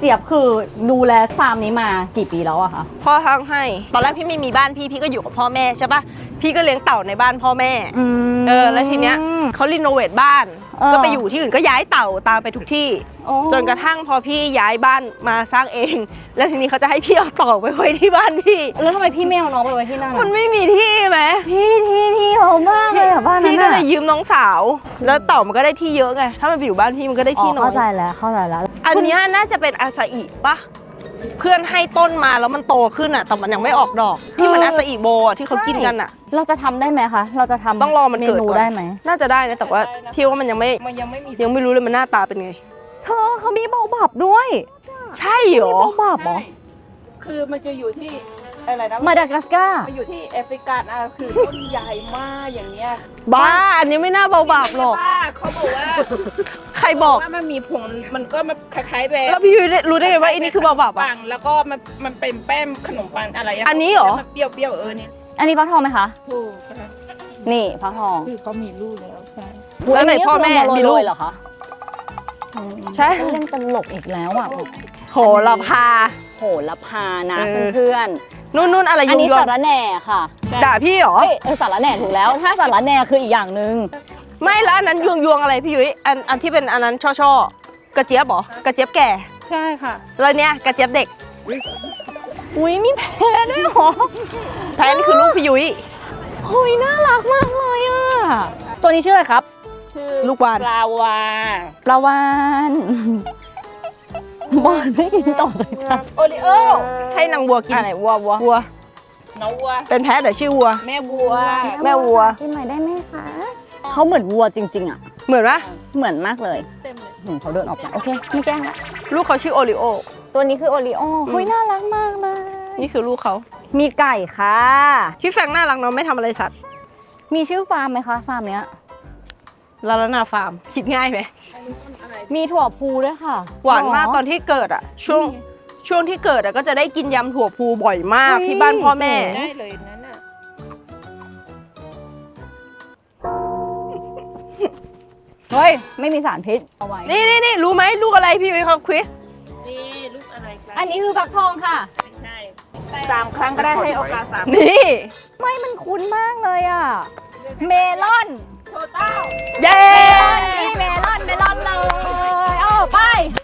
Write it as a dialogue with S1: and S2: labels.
S1: เจี๊ยบคือดูแลฟาร์มนี้มากี่ปีแล้วอะคะ
S2: พ่อทั้งให้ตอนแรกพี่ไม่มีบ้านพี่ก็อยู่กับพ่อแม่ใช่ปะพี่ก็เลี้ยงเต่าในบ้านพ่อแม่แล้วทีเนี้ยเขารีโนเวทบ้านก็ไปอยู่ที่อื่นก็ย้ายเต่าตามไปทุกที่จนกระทั่งพอพี่ย้ายบ้านมาสร้างเอง แล้วทีนี้เขาจะให้พี่เอาเต่าไปไว้ที่บ้านพี่
S1: แล้วทำไมพี่ไม่เอาน้องไปไว้ที่นั่น
S2: มันไม่มีที่ไหม
S1: พี่เขาบ้างเลยอะบ้านนั้น
S2: พี่ก็เลยยืมน้องสาวแล้วเต่ามันก็ได้ที่เยอะไงถ้ามันไปอยู่บ้านพี่มันก็ได้ที่น้อย
S1: เข้าใจแล้ว
S2: อันนี้น่าจะเป็นอาซาอิปะเพื่อนให้ต้นมาแล้วมันโตขึ้นอ่ะแต่มันยังไม่ออกดอกที่เหมือนอาซาอิโบที่เขากินกันอ่ะ
S1: เราจะทำได้ไหมคะเราจะทำ
S2: ต้องรอมันเกิดก่อน
S1: ได้ไหม
S2: น่าจะได้นะแต่ว่าพี่ว่ามันยังไม่รู้เลยมันหน้าตาเป็นไง
S1: เธอเขามีเบาบับด้วย
S2: ใช่เหรอ
S1: เบาบับเหรอ
S3: คือมันจะอยู่ที่อะไรนะ
S1: มาดากัสการ์
S3: มันอยู่ที่แอฟริกาคือต้นใหญ่มากอย่างเงี้ย
S2: บ้าอันนี้ไม่น่าเบาบาปหรอก
S3: เขาบอกว่า
S2: ใครบอก
S3: ว่ามันมีผงมันก็มาคล้ายๆแบบ
S2: แล้วพี่รู้ได้ไงว่าอันนี้คือเบาบาปอ่ะ
S3: แล้วก็มันเป็นแป้งขนมปังอะไร
S2: อันนี้เหรอ
S3: เปรี้ยวเนี่ย
S1: อันนี้ฟักทองไหมคะ
S3: ถูก
S1: นี่ฟักทอง
S3: คือเขามีลูกแล้วใช่
S2: แล้วไหนพ่อแม่มีลูก
S1: เหรอคะ
S2: ใช่
S1: เล่นตลกอีกแล้วอ่ะ
S2: โหระพา
S1: นะเพื่อน
S2: นู่นอะไร
S1: อันนี้สารแหน่ค่ะ
S2: ด่าพี่เหรอ
S1: สารแหน่ถูกแล้วถ้าสารแหน่คืออีกอย่างนึง
S2: ไม่แล้วอันนั้นยวงอะไรพี่ยุ้ยอันที่เป็นอันนั้นช่อกระเจี๊ยบเหรอกระเจี๊ยบแก่
S3: ใช่ค่ะ
S2: แล้วเนี้ยกระเจี๊ยบเด็ก
S1: อุ้ยมีแพะด้วยหรอ
S2: แพะนี่คือลูกพี่ยุ้ย
S1: เฮ้ยน่ารักมากเลยอ่ะตัวนี้ชื่ออะไรครับ
S3: ชื่อ
S2: ลูกวาน
S3: ปลาว
S1: านบอลไม่กินต่อเลยจ้ะ
S3: โอริโอ
S2: ให้นางวัวกิน
S1: อะไรวัว
S3: น้องวัว
S2: เป็นแพะแต่ชื่อวัว
S3: แม่วัว
S1: กินหน่อยได้ไหมคะเขาเหมือนวัวจริงๆอ่ะ
S2: เหมือนปะ
S1: เหมือนมากเลยเขาเดินออกมาโอเคไม่แกล้งละ
S2: ลูกเขาชื่อโอริโอ
S1: ตัวนี้คือโอริโอเฮ้ยน่ารักมากเลย
S2: นี่คือลูกเขา
S1: มีไก่ค่ะ
S2: พี่แฟงน่ารักเนาะไม่ทำอะไรสัตว์
S1: มีชื่อฟาร์มไหมคะฟาร์มเนี้ย
S2: ลาลานาฟาร์มคิดง่ายไหม
S1: มีถั่วพูด้วยค่ะ
S2: หวานมากตอนที่เกิดอ่ะช่วงที่เกิดอ่ะก็จะได้กินยำถั่วพูบ่อยมากที่บ้านพ่อแม่
S3: ได้เลยนั่นน่ะ
S1: เฮ้ยไม่มีสารพิษเอาไว้
S2: นี่รู้ไหมลูกอะไรพี่วิเคราะห์ควิส
S3: นี่ลูกอะไร
S1: อันนี้คือฟักทองค่ะ
S3: ไม่ใช่3 ครั้งก็ได้ให้โอกาส3
S2: นี่
S1: ไม่มันคุ้นมากเลยอ่ะเมลอน
S3: โทต้า
S2: เย้
S1: เมลอนเลยไป